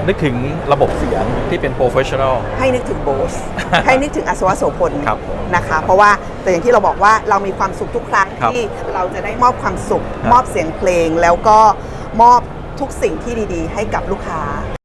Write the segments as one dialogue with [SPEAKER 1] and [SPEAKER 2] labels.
[SPEAKER 1] นึกถึงระบบเสียงที่เป็น professional
[SPEAKER 2] ให้นึกถึงโบส ให้นึกถึงอัศวโสพล
[SPEAKER 1] ครับ
[SPEAKER 2] นะคะเพราะว่าแต่อย่างที่เราบอกว่าเรามีความสุขทุกครั้ง
[SPEAKER 1] ครับ
[SPEAKER 2] ที่เราจะได้มอบความสุข
[SPEAKER 1] ครับ
[SPEAKER 2] มอบเสียงเพลงแล้วก็มอบทุกสิ่งที่ดีๆ ให้กับลูกค้า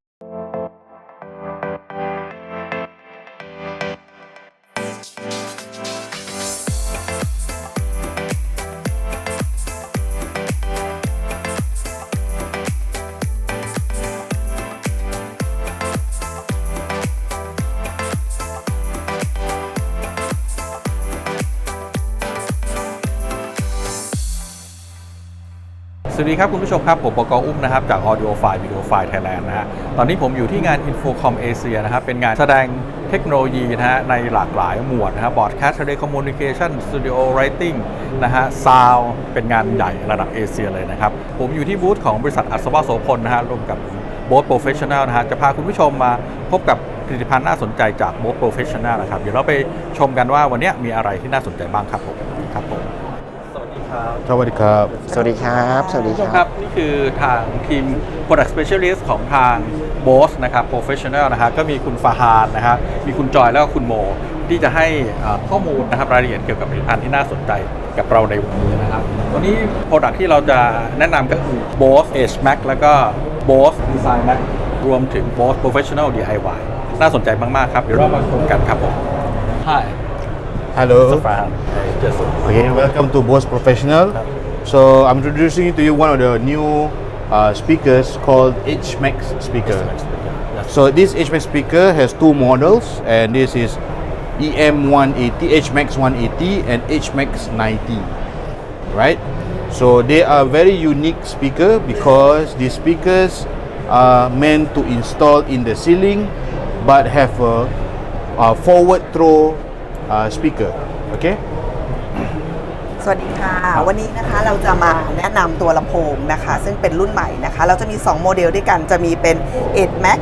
[SPEAKER 1] สวัสดีครับคุณผู้ชมครับผมปกอุ้มนะครับจาก Audio File Video File Thailand นะฮะตอนนี้ผมอยู่ที่งาน Infocom Asia นะครับเป็นงานแสดงเทคโนโลยีนะฮะในหลากหลายหมวดนะครับ Broadcast Telecommunication Studio Writing นะฮะ Sound เป็นงานใหญ่ระดับเอเชียเลยนะครับผมอยู่ที่บูธของบริษัทอัศวโสพลนะฮะรวมกับ Both Professional นะฮะจะพาคุณผู้ชมมาพบกับผลิตภัณฑ์น่าสนใจจาก Both Professional นะครับเดี๋ยวเราไปชมกันว่าวันนี้มีอะไรที่น่าสนใจบ้างครับผมสวัสดีครับ
[SPEAKER 3] สวัสดีครับ
[SPEAKER 4] สวัสดีครับ สวัสดี
[SPEAKER 1] ผู้ชม
[SPEAKER 4] ค
[SPEAKER 1] ค
[SPEAKER 4] รั
[SPEAKER 1] รับ บนี่คือทางทีม Product Specialist ของทาง Boss นะครับ Professional นะฮะก็มีคุณฟาฮานนะฮะมีคุณจอยแล้วก็คุณโมที่จะให้ข้อมูลนะครับรายละเอียดเกี่ยวกับผลิตภัณฑ์ที่น่าสนใจกับเราในวันนี้นะครับวันนี้ Product ที่เราจะแนะนำก็คือ Boss Edge Max แล้วก็ Boss Design Max รวมถึง Boss Professional DIY น่าสนใจมากๆครับเดี๋ยวเรามาชมกันครับผม Hi
[SPEAKER 3] Hello.
[SPEAKER 1] Farhan Yes
[SPEAKER 3] Okay, welcome to Bose Professional. So I'm introducing to you one of the new speakers called HMax speaker. So this HMax speaker has two models, and this is EM180, HMax 180, and HMax 90. Right? So they are very unique speaker because these speakers are meant to install in the ceiling, but have a forward throw speaker. Okay.
[SPEAKER 2] สวัสดีค่ะ วันนี้นะคะเราจะมาแนะนำตัวลำโพงนะคะซึ่งเป็นรุ่นใหม่นะคะเราจะมี2โมเดลด้วยกันจะมีเป็น Edge Max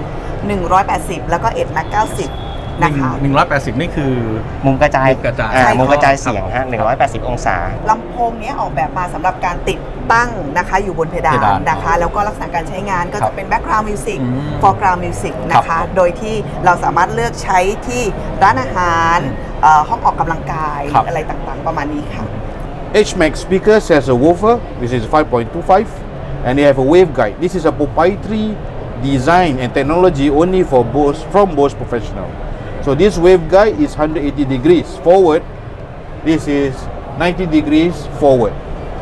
[SPEAKER 2] 180 แล้วก็ Edge Max 90 นะคะ
[SPEAKER 1] 180 นี่คือ
[SPEAKER 4] มุมกระจาย
[SPEAKER 1] มุมกระจาย
[SPEAKER 2] ใช่
[SPEAKER 4] มุมกระจายเสียงฮะ180 องศา
[SPEAKER 2] ลำโพงนี้ออกแบบมาสำหรับการติดตั้งนะคะอยู่บนเพดา
[SPEAKER 1] เพดาน น
[SPEAKER 2] นะคะแล้วก็ลักษณะการใช้งานก็
[SPEAKER 1] ครั
[SPEAKER 2] จะ
[SPEAKER 1] บ
[SPEAKER 2] เป็น background music
[SPEAKER 1] อืม
[SPEAKER 2] foreground music นะ
[SPEAKER 1] ครั
[SPEAKER 2] คะ
[SPEAKER 1] บ
[SPEAKER 2] โดยที่เราสามารถเลือกใช้ที่ร้านอาหารห้องออกกำลังกาย
[SPEAKER 1] ครับ
[SPEAKER 2] อะไรต่างๆประมาณนี้ค่ะ
[SPEAKER 3] HMax speakers has a woofer. This is 5.25, and they have a waveguide. This is a proprietary design and technology only for Bose from Bose Professional. So this waveguide is 180 degrees forward. This is 90 degrees forward.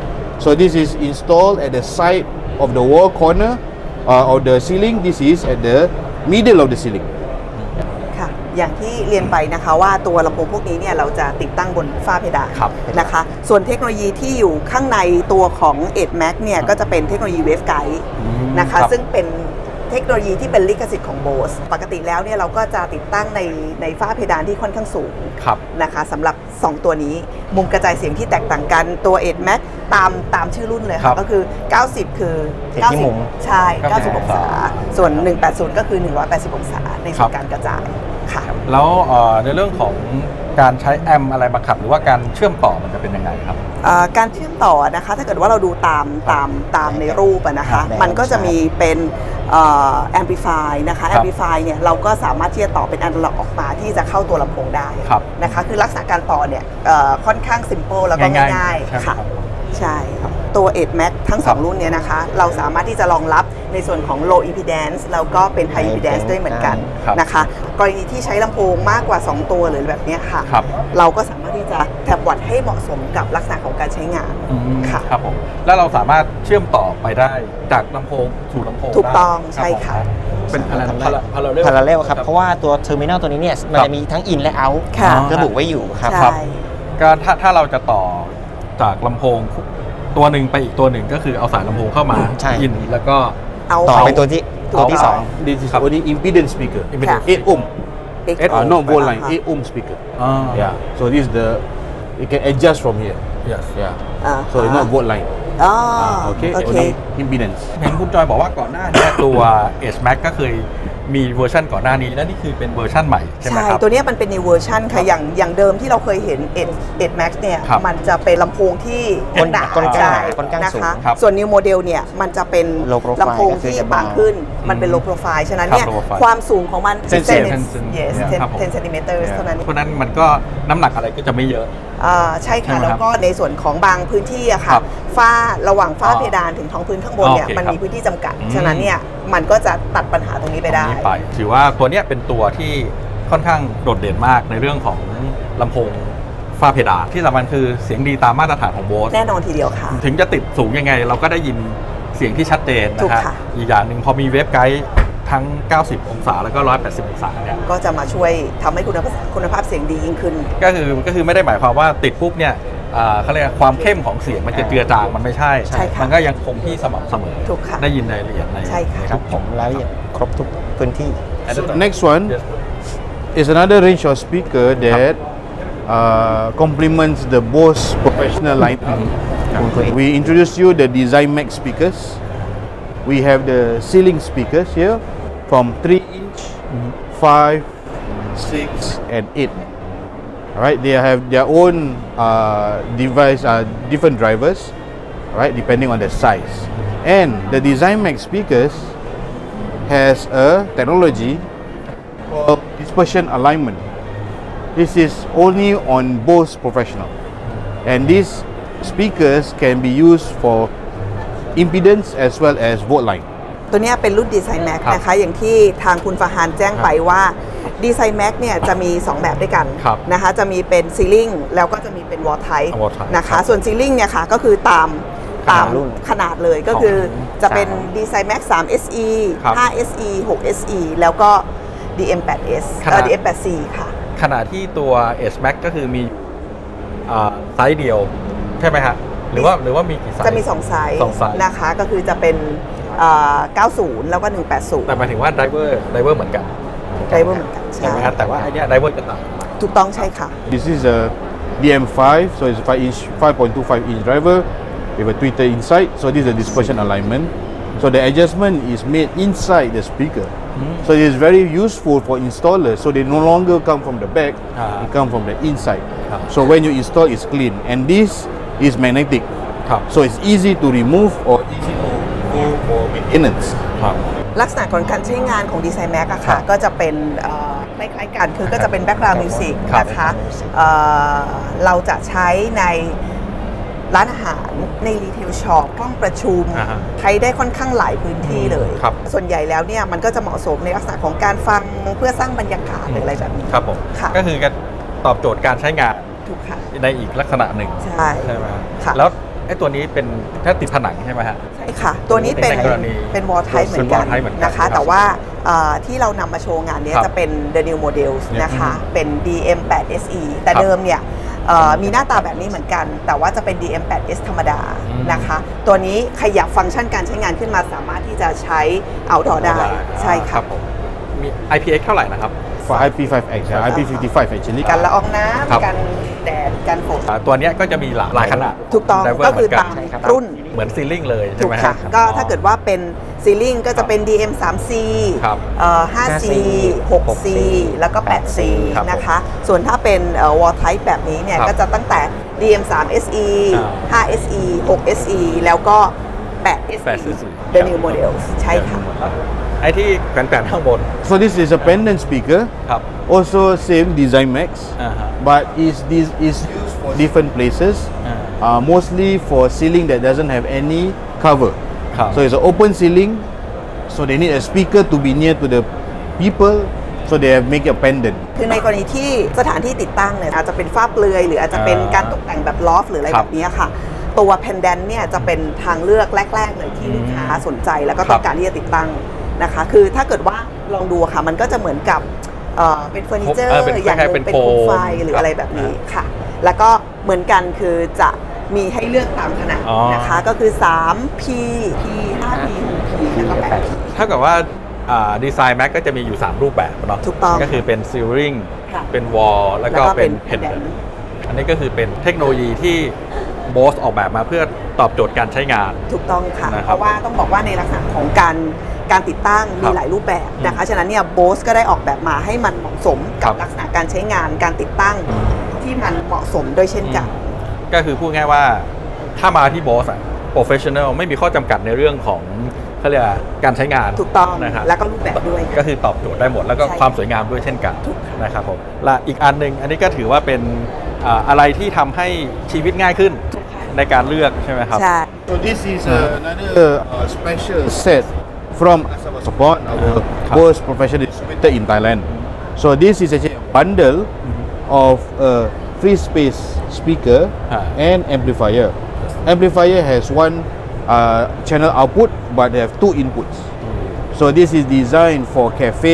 [SPEAKER 3] So this is installed at the side of the wall corner of the ceiling. This is at the middle of the ceiling.
[SPEAKER 2] ค่ะอย่างที่เรียนไปนะคะว่าตัวลำโพงพวกนี้เนี่ยเราจะติดตั้งบนฝ้าเพดาน
[SPEAKER 1] ครับ
[SPEAKER 2] นะคะส่วนเทคโนโลยีที่อยู่ข้างในตัวของ Edge Max เนี่ยก็จะเป็นเทคโนโลยี Waveguide นะคะ
[SPEAKER 1] ครับ
[SPEAKER 2] ซึ่งเป็นเทคโนโลยีที่เป็นลิขสิทธิ์ของ Bose ปกติแล้วเนี่ยเราก็จะติดตั้งในฝ้าเพดานที่ค่อนข้างสูง
[SPEAKER 1] ครับ
[SPEAKER 2] นะคะสำหรับ 2 ตัวนี้มุมกระจายเสียงที่แตกต่างกันตัว Edge Max ตามชื่อรุ่นเลย
[SPEAKER 1] ครั
[SPEAKER 2] ค่ะ
[SPEAKER 1] บ
[SPEAKER 2] ก็คือ 90 คือ
[SPEAKER 4] ติดที่มุม
[SPEAKER 2] ใช่ 90 องศา ส่วน 180 ก็คือ 180 องศาในส่วนการกระจายค่ะ
[SPEAKER 1] แล้วในเรื่องของการใช้แอมอะไรมาขับหรือว่าการเชื่อมต่อมันจะเป็นยังไงครับ
[SPEAKER 2] การเชื่อมต่อนะคะถ้าเกิดว่าเราดูตามในรูปอะนะคะ
[SPEAKER 4] ครับ
[SPEAKER 2] มันก็จะมีเป็นแอมพลิฟายนะคะ
[SPEAKER 1] ค
[SPEAKER 2] แอ
[SPEAKER 1] รับ
[SPEAKER 2] มพลิฟายเนี่ยเราก็สามารถที่จะต่อเป็นอนาล็อกออกมาที่จะเข้าตัวลำโพงได้
[SPEAKER 1] ครับ
[SPEAKER 2] นะคะคือลักษณะการต่อเนี่ยค่อนข้างซิมเ l ิลแล้วก็
[SPEAKER 1] ง่ายๆ
[SPEAKER 2] ง่าย
[SPEAKER 1] ใช่ไหม
[SPEAKER 2] ๆค่ะ
[SPEAKER 1] ครับ
[SPEAKER 2] ใช่ตัว Edge Max ทั้ง
[SPEAKER 1] ครับ
[SPEAKER 2] 2 รุ่นเนี่ยนะคะเราสามารถที่จะรองรับในส่วนของ low impedance แล้วก็เป็น high impedance ด้วยเหมือนกัน
[SPEAKER 1] ครับ
[SPEAKER 2] นะคะกรณีที่ใช้ลำโพงมากกว่า 2 ตัวหรือแบบเนี้ยค่ะ
[SPEAKER 1] ครับ
[SPEAKER 2] เราก็สามารถที่จะแท็บวัดให้เหมาะสมกับลักษณะของการใช้งานค่ะ
[SPEAKER 1] ครับผมแล้วเราสามารถเชื่อมต่อไปได้จากลำโพงสู่ลำโพง
[SPEAKER 2] ถูกต้อง
[SPEAKER 1] ได้
[SPEAKER 2] ใช่ค่ะ
[SPEAKER 1] รับผมเป็นอะไรนะ
[SPEAKER 4] พาราเรลครับ เพราะว่าตัวเทอร์มินอลตัวนี้เนี่ยมันจะมีทั้งอินและเอาท์
[SPEAKER 2] ค่ะ
[SPEAKER 4] ระบุไว้อยู่ครับ
[SPEAKER 2] ใช่
[SPEAKER 1] ก็ถ้าเราจะต่อจากลำโพงตัวหนึ่งไปอีกตัวหนึ่งก็คือเอาสายลำโพงเข้ามา
[SPEAKER 4] ใช่
[SPEAKER 1] อินแล้วก็
[SPEAKER 2] เอา
[SPEAKER 4] ต่อไปตัวที่สอง
[SPEAKER 3] This is
[SPEAKER 1] ครับ
[SPEAKER 3] only impedance speaker.
[SPEAKER 1] Impedance.
[SPEAKER 3] 8 ohm.
[SPEAKER 2] X
[SPEAKER 3] Not volt line.
[SPEAKER 2] อ่า
[SPEAKER 3] 8 ohm speaker.
[SPEAKER 1] อ่า
[SPEAKER 3] Yeah. So this is the. You can adjust from here.
[SPEAKER 1] yes
[SPEAKER 3] Yeah.
[SPEAKER 2] อ่า
[SPEAKER 3] So it's not volt line.
[SPEAKER 2] อ๋อ
[SPEAKER 3] Okay.
[SPEAKER 2] โอเค
[SPEAKER 3] Only impedance.
[SPEAKER 1] เห็นคุณจอยบอกว่าก่อนหน้านี้ตัว Edge Max ก็เคยมีเวอร์ชันก่อนหน้านี้และนี่คือเป็นเวอร์ชันใหม่ใช่ไหม
[SPEAKER 2] ใช่
[SPEAKER 1] ครับ
[SPEAKER 2] ตัวเนี้ยมันเป็นในเวอร์ชันค่ะอย่างเดิมที่เราเคยเห็น Edge Max เนี่ย
[SPEAKER 1] ครับ
[SPEAKER 2] มันจะเป็นลำโพงที่หนา
[SPEAKER 4] ก้นกลาง
[SPEAKER 2] ใช่
[SPEAKER 4] ก้นกลาง
[SPEAKER 2] นะ
[SPEAKER 4] สูง
[SPEAKER 2] คะ
[SPEAKER 1] ครับ
[SPEAKER 2] ส่วน New Model เนี่ยมันจะเป็น
[SPEAKER 4] Low profile
[SPEAKER 2] ลำโพงที่บางขึ้นมันเป็น low profile ฉะนั้นเนี่ย
[SPEAKER 1] ครับ low profile
[SPEAKER 2] ความสูงของมัน
[SPEAKER 3] 10
[SPEAKER 2] yes
[SPEAKER 1] ครับผม
[SPEAKER 2] 10 centimeters เท่านั้น
[SPEAKER 1] เพราะฉะนั้นมันก็น้ำหนักอะไรก็จะไม่เยอะ
[SPEAKER 2] ใช่ค่ะ
[SPEAKER 1] ใช่ไหมครับ
[SPEAKER 2] แล้วก็ในส่วนของบางพื้นที่อะ
[SPEAKER 1] ค
[SPEAKER 2] ค่ะ
[SPEAKER 1] รับ
[SPEAKER 2] ฝ้าระหว่างฝ้า
[SPEAKER 1] อ๋อ
[SPEAKER 2] เพดานถึงท้องพื้นข้างบนเนี่ย
[SPEAKER 1] โอเค
[SPEAKER 2] มัน
[SPEAKER 1] ครับ
[SPEAKER 2] มีพื้นที่จำกัด
[SPEAKER 1] อืม
[SPEAKER 2] ฉะนั้นเนี่ยมันก็จะตัดปัญหาตรงนี้ไปได้
[SPEAKER 1] ตรงนี้ไปถือว่าตัวเนี้ยเป็นตัวที่ค่อนข้างโดดเด่นมากในเรื่องของลำโพงฝ้าเพดานที่สำคัญคือเสียงดีตามมาตรฐานของโบส
[SPEAKER 2] แน่นอนทีเดียวค่ะ
[SPEAKER 1] ถึงจะติดสูงยังไง เราก็ได้ยินเสียงที่ชัดเจน
[SPEAKER 2] ถู
[SPEAKER 1] นะ
[SPEAKER 2] ก
[SPEAKER 1] ฮะ
[SPEAKER 2] ค่ะ
[SPEAKER 1] อีกอย่างหนึ่งพอมีเวฟไกด์ทั้ง 90 องศาแล้วก็ 180 องศาเนี่ย
[SPEAKER 2] ก็จะมาช่วยทำให้คุณภาพเสียงดียิ่งขึ้น
[SPEAKER 1] ก็คือไม่ได้หมายความว่าติดปุ๊บเนี่ยเขาเรียกว่าความเข้มของเสียงมันจะเจือจางมันไม่ใช่
[SPEAKER 2] ใช่ค่ะ
[SPEAKER 1] มันก็ยังคงที่สม่ำเสมอ
[SPEAKER 2] ถูกค่ะ
[SPEAKER 1] ได้ยินรายละเอียดใน
[SPEAKER 2] ใช่ค่ะ
[SPEAKER 1] ใน
[SPEAKER 4] ครั
[SPEAKER 1] ทุ
[SPEAKER 4] บ
[SPEAKER 1] ก
[SPEAKER 4] ผมรายละเอียดครบทุกพื้นที่
[SPEAKER 3] So next one is another range of speaker that complements the Bose professional lineup. We introduce you the Design Max speakers. We have the ceiling speakers here from 3-inch, 5, 6, and 8. Alright, they have their own device, different drivers, right, depending on the size. And the Design Max speakers has a technology called dispersion alignment. This is only on Bose Professional, and these speakers can be used for impedance as well as volt line.
[SPEAKER 2] ตัวเนี้ยเป็นรุ่น Design Max
[SPEAKER 1] ครับ
[SPEAKER 2] นะคะ อย่างที่ทางคุณฟาฮานแจ้งไปว่า Design Max เนี่ยจะมี 2 แบบด้วยกัน
[SPEAKER 1] ครับ
[SPEAKER 2] นะคะ จะมีเป็น Ceiling แล้วก็จะมีเป็น Wall Type
[SPEAKER 1] Wall Type
[SPEAKER 2] นะคะ
[SPEAKER 1] ครับ
[SPEAKER 2] ส่วน Ceiling เนี่ยค่ะก็คือตาม
[SPEAKER 4] รุ่น
[SPEAKER 2] ขนาดเลยก็คือจะเป็น
[SPEAKER 4] 3
[SPEAKER 2] Design Max 3 SE
[SPEAKER 1] ครับ
[SPEAKER 2] 5 SE 6 SE แล้วก็ DM8S DM8C ค่ะ
[SPEAKER 1] ขณะที่ตัว S Max ก็คือมีไซส์เดียวใช่ไหมฮะหรือว่ามีกี่ไซส์
[SPEAKER 2] จะมี 2 ไซส์
[SPEAKER 1] สองไซส์
[SPEAKER 2] นะคะ ก็คือจะเป็น90 แล้วก็ 180
[SPEAKER 1] แต่หมายถึงว่าไดเวอร์เหมือนกัน
[SPEAKER 2] ไดเวอร์เหมือนกัน
[SPEAKER 1] ใช่
[SPEAKER 2] ใช่
[SPEAKER 1] ไหมครับแต่ว่าไอเนี้ยไดเวอร์จะต่างกัน
[SPEAKER 2] ถูกต้องใช่ค่ะ
[SPEAKER 3] This is a DM5, so it's a 5-inch, 5.25-inch driver with a tweeter inside. So this is a dispersion alignment. So the adjustment is made inside the speaker. So it is very useful for installers. So they no longer come from the back; they come from the inside. So when you install, it's clean. And this is magnetic.
[SPEAKER 1] ครับ
[SPEAKER 3] So it's easy to remove or easy to go for maintenance.
[SPEAKER 1] ครับ
[SPEAKER 2] ลักษณะของการใช้งานของ Design Max อะ
[SPEAKER 1] ครั
[SPEAKER 2] ค่ะ
[SPEAKER 1] บ
[SPEAKER 2] ก็จะเป็นคล้ายๆกันคือก็จะเป็น background music
[SPEAKER 1] ครับ
[SPEAKER 2] นะคะเราจะใช้ในร้านอาหารในรีเทลช็อปห้องประชุม
[SPEAKER 1] อ่าฮะ
[SPEAKER 2] ใช้ได้ค่อนข้างหลายพื้นที่เลย
[SPEAKER 1] ครับ
[SPEAKER 2] ส่วนใหญ่แล้วเนี่ยมันก็จะเหมาะสมในลักษณะของการฟังเพื่อสร้างบรรยากาศหรืออะไรแบบนี้
[SPEAKER 1] ครับผม
[SPEAKER 2] ค่ะ
[SPEAKER 1] ก็คือการตอบโจทย์การใช้งาน
[SPEAKER 2] ถูกค่ะ
[SPEAKER 1] ในอีกลักษณะหนึ่ง
[SPEAKER 2] ใช่
[SPEAKER 1] ใช่ไหมฮะ
[SPEAKER 2] ค่ะ
[SPEAKER 1] แล้วไอ้ตัวนี้เป็นถ้าติดผนังใช่ไหมฮะ
[SPEAKER 2] ใช่ค่ะ ตัวนี้เป็น
[SPEAKER 1] ในกรณี
[SPEAKER 2] เป็น wall type เหมือนกัน
[SPEAKER 1] เป็น wall type เหมือนกัน
[SPEAKER 2] นะคะ
[SPEAKER 1] ครับ
[SPEAKER 2] แต่ว่าที่เรานำมาโชว์งานเนี้ย
[SPEAKER 1] ครับ
[SPEAKER 2] จะเป็น the new models นะคะ เป็น DM8SE แต่
[SPEAKER 1] ครับ
[SPEAKER 2] เดิมเนี่ยมีหน้าตาแบบนี้เหมือนกัน แต่ว่าจะเป็น DM8S ธรรมดา
[SPEAKER 1] อืม
[SPEAKER 2] นะคะ ตัวนี้ขยับฟังก์ชันการใช้งานขึ้นมาสามารถที่จะใช้ outdoor ได้ ใช่
[SPEAKER 1] ค
[SPEAKER 2] ค่ะ
[SPEAKER 1] รับผมมี IPX เท่าไหร่นะครับ
[SPEAKER 3] For IP5X, IP55 actually.
[SPEAKER 2] กันละอองน้
[SPEAKER 1] ครับ
[SPEAKER 2] ำกันแดดกันฝน
[SPEAKER 1] ตัวเนี้ยก็จะมีหลายขนาด
[SPEAKER 2] ถูกต้อง
[SPEAKER 1] Driver
[SPEAKER 2] ก็คือ
[SPEAKER 1] เหมืนน
[SPEAKER 2] ตาม
[SPEAKER 4] ใช่ครับ
[SPEAKER 2] รุ่น
[SPEAKER 1] เหมือนซีลิ่งเลยใช่
[SPEAKER 2] ถู
[SPEAKER 1] ไห
[SPEAKER 2] ก
[SPEAKER 1] ม
[SPEAKER 2] ค่ะ
[SPEAKER 1] ฮะ
[SPEAKER 2] ก็ถ้าเกิดว่าเป็นซีลิงก็จะเป็น DM3C
[SPEAKER 1] ครับ
[SPEAKER 2] 5C 6C แล้วก็ 8C
[SPEAKER 1] ครับ
[SPEAKER 2] นะคะ ส่วนถ้าเป็น wall type แบบนี้เนี่ย
[SPEAKER 1] ครับ
[SPEAKER 2] ก็จะตั้งแต่ DM3SE 5SE 6SE แล้วก็ 8SE
[SPEAKER 1] 8SE
[SPEAKER 2] The new models ใช่ค่ะ
[SPEAKER 1] ไอ้ที่แขวนๆข้างบน
[SPEAKER 3] So this is a pendant speaker.
[SPEAKER 1] ครับ
[SPEAKER 3] Also same Design Max,
[SPEAKER 1] อ่าฮะ
[SPEAKER 3] but is used for different places. Mostly for ceiling that doesn't have any cover.
[SPEAKER 1] ครับ
[SPEAKER 3] So it's an open ceiling. So they need a speaker to be near to the people. So they have make a pendant.
[SPEAKER 2] คือในกรณีที่สถานที่ติดตั้งเนี่ยอาจจะเป็นฝ้าเปลือย หรืออาจจะเป็นการตกแต่งแบบลอฟหรืออะไร
[SPEAKER 1] ครับ
[SPEAKER 2] แบบนี้ค่ะ ตัว pendant เนี่ยจะเป็นทางเลือกแรก ๆ เลยที่ลูกค้าสนใจแล้วก็ต้องการที่จะติดตั้งนะคะ คือถ้าเกิดว่าลองดูค่ะ มันก็จะเหมือนกับเป็นเฟอร์นิเจอร์
[SPEAKER 1] เป็น
[SPEAKER 2] อย่างห
[SPEAKER 1] คล้าย
[SPEAKER 2] นึ่
[SPEAKER 1] ๆเป็
[SPEAKER 2] ง
[SPEAKER 1] น
[SPEAKER 2] เป็นโคมไฟ
[SPEAKER 1] โฟม
[SPEAKER 2] หรืออะไรแบบนี้ค่ะ แล้วก็เหมือนกันคือจะมีให้เลือกตามขนาด
[SPEAKER 1] อ๋อ
[SPEAKER 2] นะคะ ก็คือ 3P P 5P 6P แล้วก็ 8P
[SPEAKER 1] เท่ากับว่าดีไซน์แม็กก็จะมีอยู่ 3 รูปแบบเนาะ
[SPEAKER 2] ถูกต้อง
[SPEAKER 1] ก็คือเป็นซีริง
[SPEAKER 2] ค่ะ
[SPEAKER 1] เป็นวอลแล้วก็
[SPEAKER 2] แล้วก็เป็
[SPEAKER 1] เป็น
[SPEAKER 2] น
[SPEAKER 1] เพนเดน
[SPEAKER 2] pendant
[SPEAKER 1] อันนี้ก็คือเป็นเทคโนโลยีที่โบสออกแบบมาเพื่อตอบโจทย์การใช้งาน
[SPEAKER 2] ถูกต้องค่ะ
[SPEAKER 1] นะค
[SPEAKER 2] เพ
[SPEAKER 1] รับ
[SPEAKER 2] ราะว่าต้องบอกว่าในลักษณะของการติดตั้ง
[SPEAKER 1] ค
[SPEAKER 2] มี
[SPEAKER 1] รับ
[SPEAKER 2] หลายรูปแบบนะคะ ฉะนั้นเนี่ยโบสก็ได้ออกแบบมาให้มันเหมาะสม
[SPEAKER 1] ครั
[SPEAKER 2] กับบ ลักษณะการใช้งานการติดตั้งที่มันเหมาะสมด้วยเช่นกัน
[SPEAKER 1] ก็คือพูดง่ายว่าถ้ามาที่โบสอะโปรเฟชชั่นแนลไม่มีข้อจำกัดในเรื่องของเขาเรียกว่าการใช้งาน
[SPEAKER 2] ถูกต้อง
[SPEAKER 1] นะครับ
[SPEAKER 2] แล้วก็รูปแบบด้วย
[SPEAKER 1] ก็คือตอบโจทย์ได้หมดแล้วก็
[SPEAKER 2] ใช่
[SPEAKER 1] ความสวยงามด้วยเช่นกัน
[SPEAKER 2] ถูก
[SPEAKER 1] นะครับผมและอีกอันหนึ่งอันนี้ก็ถือว่าเป็นอะไรที่ทำให้ชีวิตง่ายขึ้นในการเลือกใช่ไหมครับ
[SPEAKER 2] ใช่
[SPEAKER 3] So this is another special set from Asaba Support, our Bose professional distributor in Thailand. So this is actually a bundle of a free space speaker and amplifier. Amplifier has one channel output, but they have two inputs. So this is designed for cafe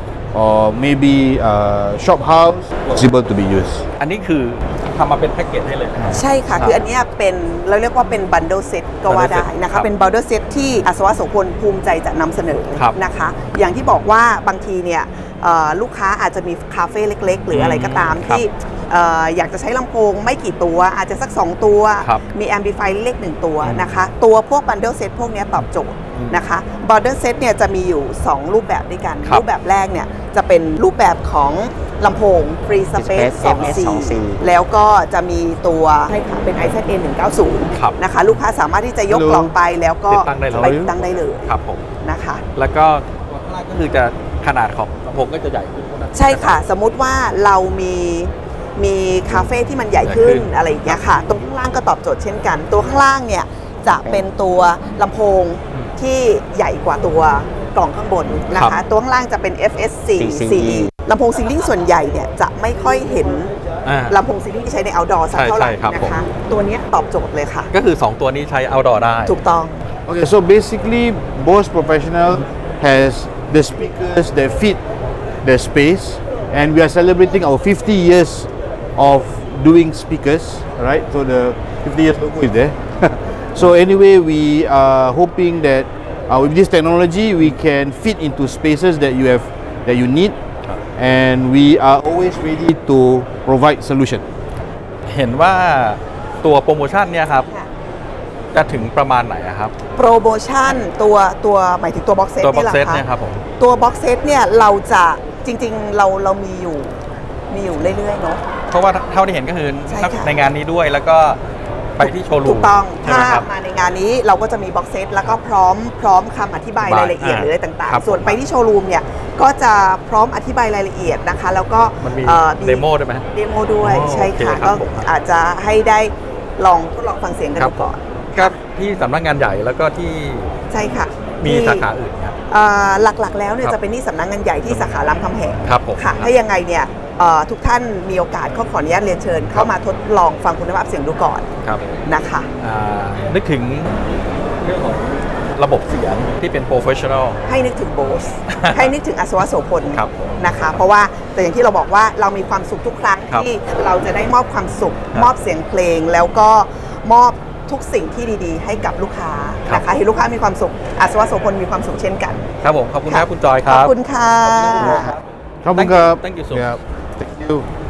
[SPEAKER 3] or maybe shop house, possible to be used.
[SPEAKER 1] อันนี้คือทำมาเป็นแพ็กเกจให้เลยนะครับ
[SPEAKER 2] ใช่ค่ะ คืออันเนี้ยเป็นเราเรียกว่าเป็นบันเดิลเซ็ตก็ว่าได้
[SPEAKER 1] bundle set
[SPEAKER 2] นะ
[SPEAKER 1] ครั
[SPEAKER 2] คะ
[SPEAKER 1] บ
[SPEAKER 2] เป็นบันเดิลเซ็ตที่อาสวะโสพลภูมิใจจะนำเสนอ
[SPEAKER 1] ครับ
[SPEAKER 2] นะคะ อย่างที่บอกว่าบางทีเนี่ยลูกค้าอาจจะมีคาเฟ่เล็กๆ หรืออะไรก็ตาม
[SPEAKER 1] ครับ
[SPEAKER 2] ที่อยากจะใช้ลำโพงไม่กี่ตัว อาจจะสัก 2 ตัว
[SPEAKER 1] ครับ
[SPEAKER 2] มีแอมพลิฟายเล็ก1ตัวนะคะ ตัวพวกบันเดิลเซ็ตพวกเนี้ยตอบโจทย์นะคะบันเดิลเซ็ตเนี่ยจะมีอยู่ 2 รูปแบบด้วยกัน
[SPEAKER 1] ครับ
[SPEAKER 2] รูปแบบแรกเนี่ยจะเป็นรูปแบบของลำโพง Free Space
[SPEAKER 4] Space
[SPEAKER 2] 2C
[SPEAKER 4] MS2C
[SPEAKER 2] แล้วก็จะมีตัวใช่ค่ะเป็น IZA 190
[SPEAKER 1] ครับ
[SPEAKER 2] นะคะ ลูกค้าสามารถที่จะยก
[SPEAKER 3] Hello
[SPEAKER 2] กล่องไปแล้วก็
[SPEAKER 1] ติดตั้งได้เลย
[SPEAKER 2] ไปติดตั้งได้เลย
[SPEAKER 1] ครับผม
[SPEAKER 2] นะคะ
[SPEAKER 1] แล้วก็ข้างล่างก็คือจะขนาดของลำโพงก็จะใหญ่ขึ้นนะ
[SPEAKER 2] ใช่ค่ะ สมมุติว่าเรามีคาเฟ่ที่มันใหญ่ขึ้น
[SPEAKER 1] ใหญ่ขึ้น
[SPEAKER 2] อะไรอย่างเงี้ยค่ะ ตรงข้างล่างก็ตอบโจทย์เช่นกัน ตัวข้างล่างเนี่ยจะเป็นตัวลำโพงที่ใหญ่กว่าตัวกล่องข้างบนนะ
[SPEAKER 1] ครั
[SPEAKER 2] คะ
[SPEAKER 1] บ
[SPEAKER 2] ตัวข้างล่างจะเป็น FS4
[SPEAKER 4] CE
[SPEAKER 2] CE ลำโพงซีลิงส่วนใหญ่เนี่ยจะไม่ค่อยเห็น
[SPEAKER 1] อ่า
[SPEAKER 2] ลำโพงซีลิงที่ใช้ใน outdoor สักเท่าไหร่
[SPEAKER 1] ใช่ครับ
[SPEAKER 2] นะ
[SPEAKER 1] ผม
[SPEAKER 2] คะ ตัวเนี้ยตอบโจทย์เลยค่ะ
[SPEAKER 1] ก็คือ 2 ตัวนี้ใช้ outdoor ได้
[SPEAKER 2] ถูกต้อง
[SPEAKER 3] Okay, so basically, Bose Professional has the speakers that fit the space, and we are celebrating our 50 years of doing speakers, right? So the 50 years logo is there. So anyway, we are hoping that with this technology, we can fit into spaces that you need, and we are always ready to provide solution.
[SPEAKER 1] เห็นว่าตัวโปรโมชั่นเนี่ยครับ จะถึงประมาณไหนอะครับ
[SPEAKER 2] โปรโมชั่นตัวหมายถึงตัวบ็อกเซต
[SPEAKER 1] ตัวบ็
[SPEAKER 2] นี่
[SPEAKER 1] อก
[SPEAKER 2] แหละ
[SPEAKER 1] เซต
[SPEAKER 2] คะ
[SPEAKER 1] เนี่ยครับผม
[SPEAKER 2] ตัวบ็อกเซตเนี่ยเราจะจริงๆเรามีอยู่เรื่อยๆเนาะ
[SPEAKER 1] เพราะว่าเท่าที่เห็นก็คือ
[SPEAKER 2] ใช่ค่ะ
[SPEAKER 1] ในงานนี้ด้วยแล้วก็ไปที่โชว์รูม
[SPEAKER 2] ถูกต้อง
[SPEAKER 1] ใช่ไห
[SPEAKER 2] ถ้าม
[SPEAKER 1] ครับ
[SPEAKER 2] มาในงานนี้เราก็จะมีบ็อกเซตแล้วก็พร้อมคำอธิบายรายละเอียดหรืออะไรต่าง
[SPEAKER 1] ครับ
[SPEAKER 2] ๆ ส่วนไปที่โชว์รูมเนี่ยก็จะพร้อมอธิบายรายละเอียดนะคะ แล้วก็
[SPEAKER 1] มันมี
[SPEAKER 2] อ่อ
[SPEAKER 1] เดโมด้วยไหม
[SPEAKER 2] เดโมด้วย
[SPEAKER 1] อ๋อ
[SPEAKER 2] ใช่ค่ะ
[SPEAKER 1] โอเคครั
[SPEAKER 2] ก็
[SPEAKER 1] บผม
[SPEAKER 2] อาจจะให้ได้ลองทดลองฟังเสียงกัน
[SPEAKER 1] ครั
[SPEAKER 2] ดู
[SPEAKER 1] บ
[SPEAKER 2] ก่อน
[SPEAKER 1] ก็ที่สำนักงานใหญ่แล้วก็ที่
[SPEAKER 2] ใช่ค่ะ
[SPEAKER 1] มี
[SPEAKER 2] ที่
[SPEAKER 1] สาขาอื่นครับ
[SPEAKER 2] หลักๆแล้วเนี่ย
[SPEAKER 1] ครับ
[SPEAKER 2] จะเป็นที่สำนักงานใหญ่ที่สาขารามคำแหง
[SPEAKER 1] ครับผม
[SPEAKER 2] ค่ะ ถ้ายังไงเนี่ยทุกท่านมีโอกาสก็ขออนุญาตเรียนเชิญ เข้ามาทดลองฟังคุณภาพเสียงดูก่อน
[SPEAKER 1] ครับ
[SPEAKER 2] นะคะ
[SPEAKER 1] นึกถึงเรื่องของระบบเสียงที่เป็นโปรเฟชชั่นอล
[SPEAKER 2] ให้นึกถึงโบส ให้นึกถึงอัศวโสพล
[SPEAKER 1] ครับผม
[SPEAKER 2] นะคะ เพราะว่าแต่อย่างที่เราบอกว่าเรามีความสุขทุกครั้ง
[SPEAKER 1] ครับ
[SPEAKER 2] ที่เราจะได้มอบความสุข
[SPEAKER 1] ครับ
[SPEAKER 2] มอบเสียงเพลง แล้วก็มอบทุกสิ่งที่ดีๆ ให้กับลูกค้า
[SPEAKER 1] ครับ
[SPEAKER 2] นะคะให้ลูกค้ามีความสุขอัศวโสพลมีความสุขเช่นกัน
[SPEAKER 1] ครับผม ขอบคุณครับคุณจอยค
[SPEAKER 2] ขอ
[SPEAKER 1] รั
[SPEAKER 2] บบ คุณค่ะ
[SPEAKER 3] Thank you.
[SPEAKER 1] Thank you so
[SPEAKER 3] Yeah.
[SPEAKER 1] much.
[SPEAKER 3] Thank you.